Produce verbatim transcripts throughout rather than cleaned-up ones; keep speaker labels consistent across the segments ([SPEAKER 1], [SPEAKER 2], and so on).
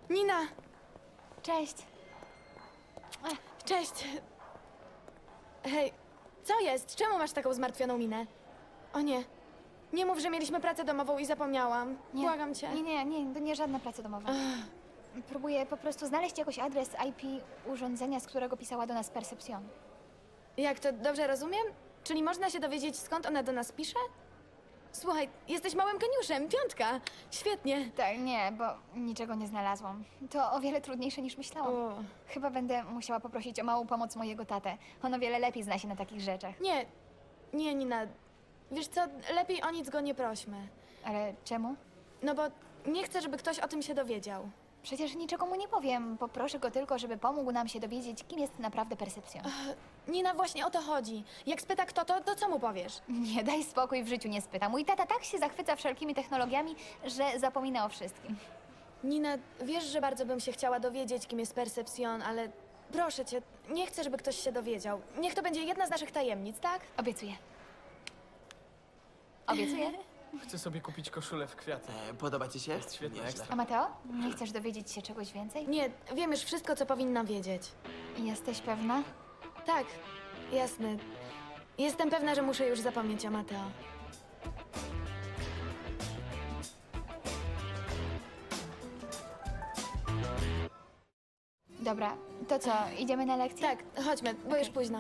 [SPEAKER 1] Nina!
[SPEAKER 2] Cześć.
[SPEAKER 1] Cześć! Hej, co jest? Czemu masz taką zmartwioną minę? O nie. Nie mów, że mieliśmy pracę domową i zapomniałam.
[SPEAKER 2] Nie,
[SPEAKER 1] Błagam cię.
[SPEAKER 2] Nie, nie, nie, to nie żadna praca domowa. Próbuję po prostu znaleźć jakoś adres I P urządzenia, z którego pisała do nas Percepcion.
[SPEAKER 1] Jak to dobrze rozumiem? Czyli można się dowiedzieć, skąd ona do nas pisze? Słuchaj, jesteś małym geniuszem, piątka. Świetnie.
[SPEAKER 2] Tak, nie, bo niczego nie znalazłam. To o wiele trudniejsze niż myślałam.
[SPEAKER 1] O.
[SPEAKER 2] Chyba będę musiała poprosić o małą pomoc mojego tatę. On o wiele lepiej zna się na takich rzeczach.
[SPEAKER 1] Nie, nie, Nina. Wiesz co, lepiej o nic go nie prośmy.
[SPEAKER 2] Ale czemu?
[SPEAKER 1] No bo nie chcę, żeby ktoś o tym się dowiedział.
[SPEAKER 2] Przecież niczego mu nie powiem. Poproszę go tylko, żeby pomógł nam się dowiedzieć, kim jest naprawdę Percepcion.
[SPEAKER 1] Nina, właśnie o to chodzi. Jak spyta kto to, to co mu powiesz?
[SPEAKER 2] Nie, daj spokój, w życiu nie spyta. Mój tata tak się zachwyca wszelkimi technologiami, że zapomina o wszystkim.
[SPEAKER 1] Nina, wiesz, że bardzo bym się chciała dowiedzieć, kim jest Percepcion, ale proszę cię, nie chcę, żeby ktoś się dowiedział. Niech to będzie jedna z naszych tajemnic, tak?
[SPEAKER 2] Obiecuję. Obiecuję.
[SPEAKER 3] Chcę sobie kupić koszulę w kwiaty.
[SPEAKER 4] E, podoba ci się?
[SPEAKER 3] Jest świetnie,
[SPEAKER 4] Nieźle.
[SPEAKER 3] ekstra.
[SPEAKER 2] A Mateo, nie chcesz dowiedzieć się czegoś więcej?
[SPEAKER 1] Nie, wiem już wszystko, co powinna wiedzieć.
[SPEAKER 2] Jesteś pewna?
[SPEAKER 1] Tak, jasne. Jestem pewna, że muszę już zapomnieć o Mateo.
[SPEAKER 2] Dobra, to co, idziemy na lekcję?
[SPEAKER 1] Tak, chodźmy, bo już późno.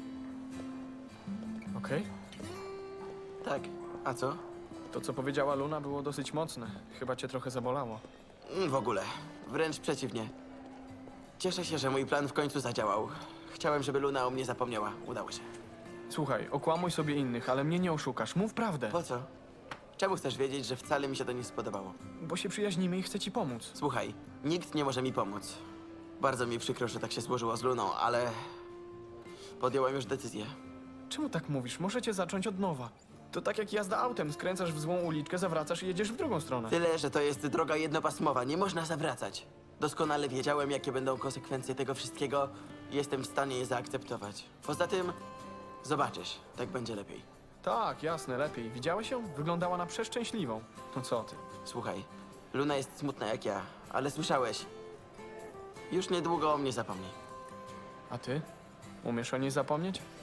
[SPEAKER 3] Okej?
[SPEAKER 4] Tak. A co?
[SPEAKER 3] To, co powiedziała Luna, było dosyć mocne. Chyba cię trochę zabolało.
[SPEAKER 4] Mm, W ogóle. Wręcz przeciwnie. Cieszę się, że mój plan w końcu zadziałał. Chciałem, żeby Luna o mnie zapomniała. Udało się.
[SPEAKER 3] Słuchaj, okłamuj sobie innych, ale mnie nie oszukasz. Mów prawdę.
[SPEAKER 4] Po co? Czemu chcesz wiedzieć, że wcale mi się to nie spodobało?
[SPEAKER 3] Bo się przyjaźnimy i chcę ci pomóc.
[SPEAKER 4] Słuchaj, nikt nie może mi pomóc. Bardzo mi przykro, że tak się złożyło z Luną, ale... podjąłem już decyzję.
[SPEAKER 3] Czemu tak mówisz? Możecie zacząć od nowa. To tak jak jazda autem. Skręcasz w złą uliczkę, zawracasz i jedziesz w drugą stronę.
[SPEAKER 4] Tyle, że to jest droga jednopasmowa, nie można zawracać. Doskonale wiedziałem, jakie będą konsekwencje tego wszystkiego i jestem w stanie je zaakceptować. Poza tym, zobaczysz, tak będzie lepiej.
[SPEAKER 3] Tak, jasne, lepiej. Widziałeś ją? Wyglądała na przeszczęśliwą. No co ty?
[SPEAKER 4] Słuchaj, Luna jest smutna jak ja, ale słyszałeś. Już niedługo o mnie zapomni.
[SPEAKER 3] A ty? Umiesz o niej zapomnieć?